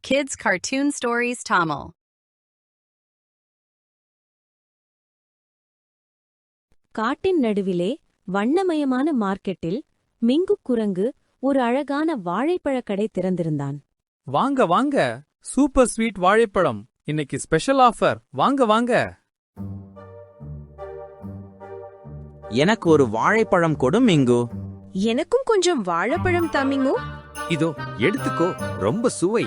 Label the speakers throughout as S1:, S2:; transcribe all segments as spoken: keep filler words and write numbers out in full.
S1: Kids Cartoon Stories Tamil.
S2: காட்டின் நடுவிலே வண்ணமயமான மார்க்கெட்டில் மிங்கு குரங்கு ஒரு அழகான வாழைப்பழக் கடை திறந்திருந்தான்.
S3: வாங்க வாங்க, சூப்பர் ஸ்வீட் வாழைப்பழம் இன்னைக்கு ஸ்பெஷல் ஆஃபர். வாங்க வாங்க.
S4: எனக்கு ஒரு வாழைப்பழம் கொடு மிங்கு.
S5: எனக்கும் கொஞ்சம் வாழைப்பழம் தாமிங்கு.
S6: இதோ எடுத்துக்கோ, ரொம்ப சுவை.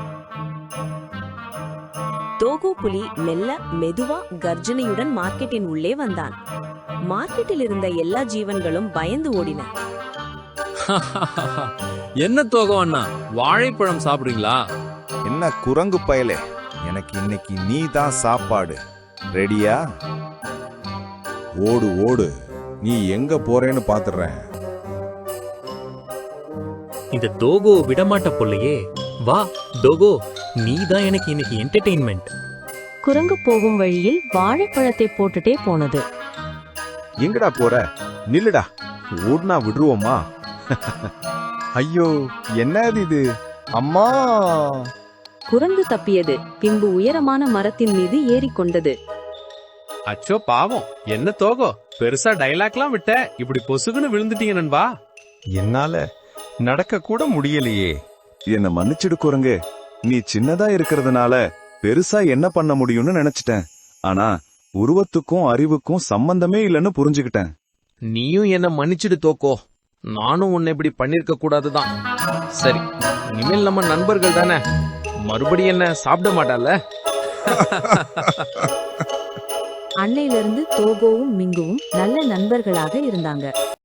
S2: தோகோ புலி மெல்ல மெதுவா கர்ஜனையுடன் மார்க்கெட்டின் உள்ளே வந்தான். மார்க்கெட்டில் இருந்த எல்லா ஜீவன்களும் பயந்து ஓடின.
S3: என்ன தோகோ அண்ணா, வாழைப்பழம் சாப்பிடுறீங்களா?
S7: என்ன குரங்கு பயலே, எனக்கு இன்னைக்கு நீ தான் சாப்பாடு. ரெடியா? ஓடு ஓடு, நீ எங்க போறேன்னு பாத்துறேன்.
S6: இந்த டோகோ விடமாட்ட பொல்லையே. வா டோகோ, நீ தான் எனக்கு இன்னைக்கு என்டர்டெயின்மெண்ட்.
S2: குரங்கு போகும் வழியில் வாழைப்பழத்தை போட்டுட்டே போனது.
S7: எங்கடா போற? நில்லுடா, ஓடுனா விடுருவோமா? ஐயோ, என்னது இது? அம்மா!
S2: குரங்கு தப்பியது. பின்பு உயரமான மரத்தின் மீது ஏறிக்கொண்டது.
S8: அச்சோ பாவம், என்ன தோகோ பெருசா டைலாக்லாம் விட்ட, இப்படி பொசுகுன்னு விழுந்துட்டீங்க நண்பா.
S7: என்னால நடக்க கூட முடியலையே. என்ன மன்னிச்சிடு குரங்கு, நீ சின்னதா இருக்கிறதுனால பெருசா என்ன பண்ண முடியும்னு நினைச்சிட்டேன். ஆனா உருவத்துக்கும் அறிவுக்கும் சம்பந்தமே இல்லைன்னு புரிஞ்சுக்கிட்டேன்.
S8: நீயும் என்ன மன்னிச்சிடு தோக்கோ, நானும் உன்னை இப்படி பண்ணிருக்க கூடாதுதான். சரி, இனிமேல் நம்ம நண்பர்கள் தானே, மறுபடியும் என்ன சாப்பிட மாட்டால.
S2: அன்னையிலிருந்து தோகோவும் மிங்குவும் நல்ல நண்பர்களாக இருந்தாங்க.